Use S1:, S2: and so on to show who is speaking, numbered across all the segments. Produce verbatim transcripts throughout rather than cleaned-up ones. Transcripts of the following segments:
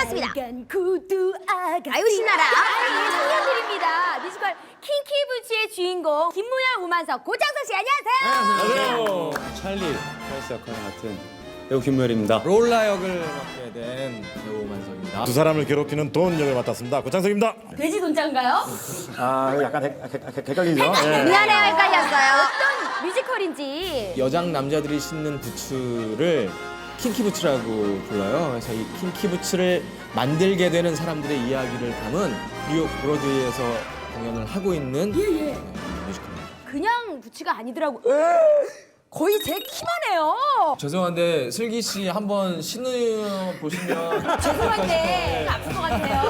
S1: 반갑습니다. 아유 신나라. 청년들입니다. 뮤지컬 킹키부츠의 주인공 김무열, 오만석, 고창석 씨 안녕하세요.
S2: 안녕하세요. 찰리 찰스 역할을 맡은 배우 김무열입니다.
S3: 롤라 역을 맡게 된 배우 만석입니다.
S4: 두 사람을 괴롭히는 돈 역을 맡았습니다. 고창석입니다.
S1: 돼지 돈장가요?
S4: 아 약간 헷- 헷- 헷- 헷갈리죠? 예.
S1: 미안해요, 헷갈렸어요. 어떤 뮤지컬인지.
S3: 여장 남자들이 신는 부츠를 킹키 부츠라고 불러요. 그래서 이 킹키 부츠를 만들게 되는 사람들의 이야기를 담은 뉴욕 브로드웨이에서 공연을 하고 있는
S1: 예, 예.
S3: 네, 뮤지컬입니다.
S1: 그냥 부츠가 아니더라고. 거의 제 키만 해요.
S3: 죄송한데 슬기 씨 한번 신어 보시면
S1: 죄송한데 아플 것 같아요.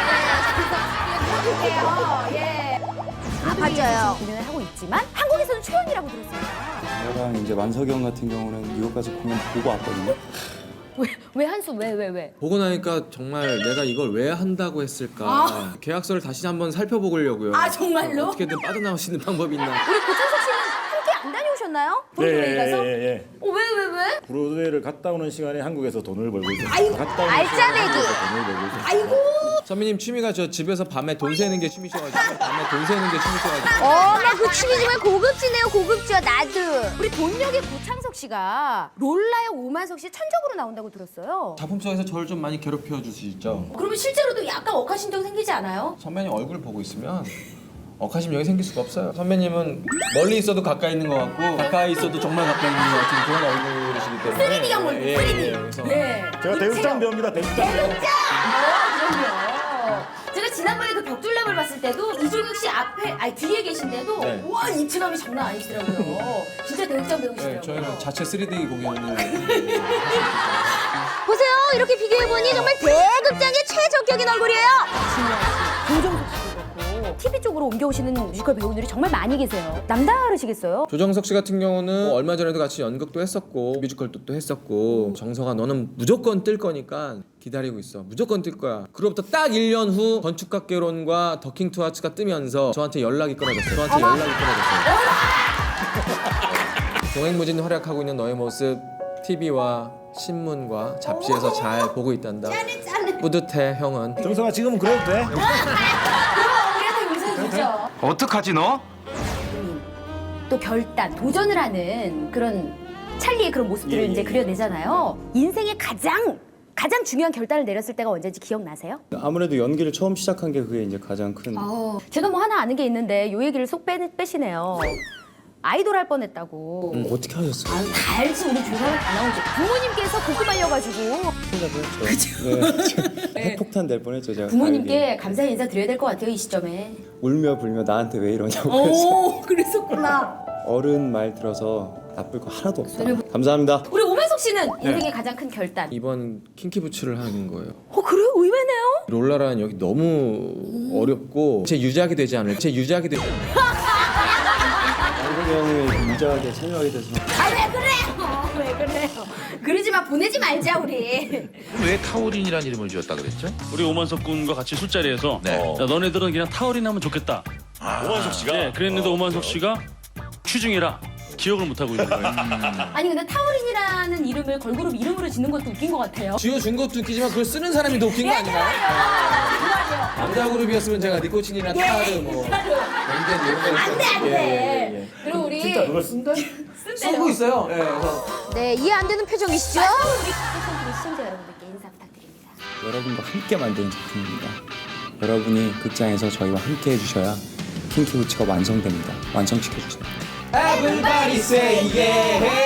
S1: 예, 예. 아, 맞아요. 공연을 하고 있지만 한국에서는 초연이라고 들었어요.
S2: 저랑 이제 만석이 형 같은 경우는 뉴욕 가서 공연 보고 왔거든요.
S1: 왜, 왜 한수, 왜, 왜, 왜?
S3: 보고 나니까 정말 내가 이걸 왜 한다고 했을까.
S1: 아.
S3: 계약서를 다시 한번 살펴보려고요.
S1: 아, 정말로?
S3: 어떻게든 빠져나올 수 있는 방법이 있나.
S1: 우리 고창석 씨는 함께 안 다녀오셨나요?
S4: 예,
S1: 브로드웨이
S4: 예,
S1: 가서?
S4: 예, 예.
S1: 어, 왜, 왜, 왜?
S4: 브로드웨이를 갔다 오는 시간에 한국에서 돈을 벌고 있어요.
S1: 아이고,
S4: 갔다 오는
S1: 알짜배기.
S4: 시간에 한국에서 돈을 벌고 있어요.
S1: 아이고.
S3: 선배님 취미가 저 집에서 밤에 돈 세는 게 취미셔가지고 밤에 돈 세는 게 취미셔가지고
S1: 어머, 그 춤이 정말 고급지네요, 고급져, 나도. 우리 본역의 고창석 씨가 롤라의 오만석 씨 천적으로 나온다고 들었어요.
S3: 작품 속에서 저를 좀 많이 괴롭혀 주시죠.
S1: 그러면 실제로도 약간 억하심정 생기지 않아요?
S3: 선배님 얼굴 보고 있으면 억하심정이 생길 수가 없어요. 선배님은 멀리 있어도 가까이 있는 것 같고 가까이 있어도 정말 가까이 있는 것 같은 그런 얼굴이시기 때문에
S1: 쓰리디형 얼굴,
S3: 예,
S1: 쓰리디.
S3: 예, 그래서
S1: 네.
S4: 제가 대극장 배우입니다. 대극장 배우.
S1: 대극장! 어, 그럼요. 제가 지난번에 그 벽돌남을 봤을 때도 이종혁 씨 앞에, 아니 뒤에 계신데도
S3: 네.
S1: 와, 입체감이 장난 아니시더라고요. 진짜 대극장
S3: 네,
S1: 배우시더라고요.
S3: 저희는 자체 쓰리디 공연을
S1: 보세요. 이렇게 비교해보니 정말 대극장의 최적격인 얼굴이에요. 진영 씨, 조정석 씨도 그렇고 티비 쪽으로 옮겨오시는 뮤지컬 배우들이 정말 많이 계세요. 남다르시겠어요?
S3: 조정석 씨 같은 경우는 뭐 얼마 전에도 같이 연극도 했었고 뮤지컬도 또 했었고 정석아 너는 무조건 뜰 거니까 기다리고 있어. 무조건 뜰 거야. 그로부터 딱 일 년 후 건축학개론과 더킹 투하츠가 뜨면서 저한테 연락이 끊어졌어요. 저한테
S1: 어머.
S3: 연락이 끊어졌어요. 동행무진 활약하고 있는 너의 모습 티비와 신문과 잡지에서 잘 보고 있단다.
S1: 짠해 짠해.
S3: 뿌듯해 형은.
S4: 정성아 지금은 그래도 돼?
S1: 그럼 우리한테 용서해주죠.
S5: 어떡하지 너?
S1: 또 결단, 도전을 하는 그런 찰리의 그런 모습들을
S4: 예,
S1: 이제
S4: 예.
S1: 그려내잖아요. 인생의 가장 가장 중요한 결단을 내렸을 때가 언제인지 기억나세요?
S2: 아무래도 연기를 처음 시작한 게 그게 이제 가장 큰.
S1: 어, 제가 뭐 하나 아는 게 있는데 요 얘기를 속 빼, 빼시네요. 아이돌 할 뻔했다고.
S2: 음, 어떻게 하셨어요?
S1: 아유, 다 알지. 우리 조사는 다 나오지. 부모님께서 고급 알려가지고
S2: 생각했죠. 네. 핵폭탄 될 뻔했죠 제가.
S1: 부모님께 감사의 인사 드려야 될 것 같아요, 이 시점에.
S2: 울며 불며 나한테 왜 이러냐고 그래서
S1: 오, 그랬었구나.
S2: 어른 말 들어서 나쁠 거 하나도 없다. 감사합니다.
S1: 우리 오만석 씨는 인생의 가장 큰 결단.
S3: 이번 킹키 부츠를 하는 거예요.
S1: 어, 그래요? 의외네요.
S3: 롤라라는 역이 너무 어렵고 제 유작이 되지 않을 제 유작이 되지
S2: 만석이 형이 유자하게 참여하게 돼서
S1: 아, 왜 그래요? 왜 그래요? 그러지 마, 보내지 말자, 우리.
S5: 왜 타우린이라는 이름을 지었다 그랬죠?
S6: 우리 오만석 군과 같이 술자리에서
S5: 네.
S6: 야, 너네들은 그냥 타우린 하면 좋겠다.
S4: 오만석 씨가.
S6: 네, 그랬는데 오만석 씨가 취중이라 기억을 못 하고 있는 거예요.
S1: 아니, 근데 타우린이라는 이름을 걸그룹 이름으로 짓는 것도 웃긴 것 같아요.
S3: 지어준 것도 웃기지만 그걸 쓰는 사람이 더 웃긴 거 아닌가요? 남자 그룹이었으면 제가 니코틴이나 타르 뭐 벤젠 이런 거
S1: 안 돼, 안 돼. 그리고 우리
S4: 진짜 그걸 쓴다?
S3: 쓰고 있어요. 예, 그래서
S1: 네, 이해 안 되는 표정이시죠? 우리 우리 시청자 여러분들께 인사 부탁드립니다.
S2: 여러분과 함께 만드는 작품입니다. 여러분이 극장에서 저희와 함께 해주셔야 킹키부츠가 완성됩니다. 완성시켜주세요.
S3: Everybody say yeah.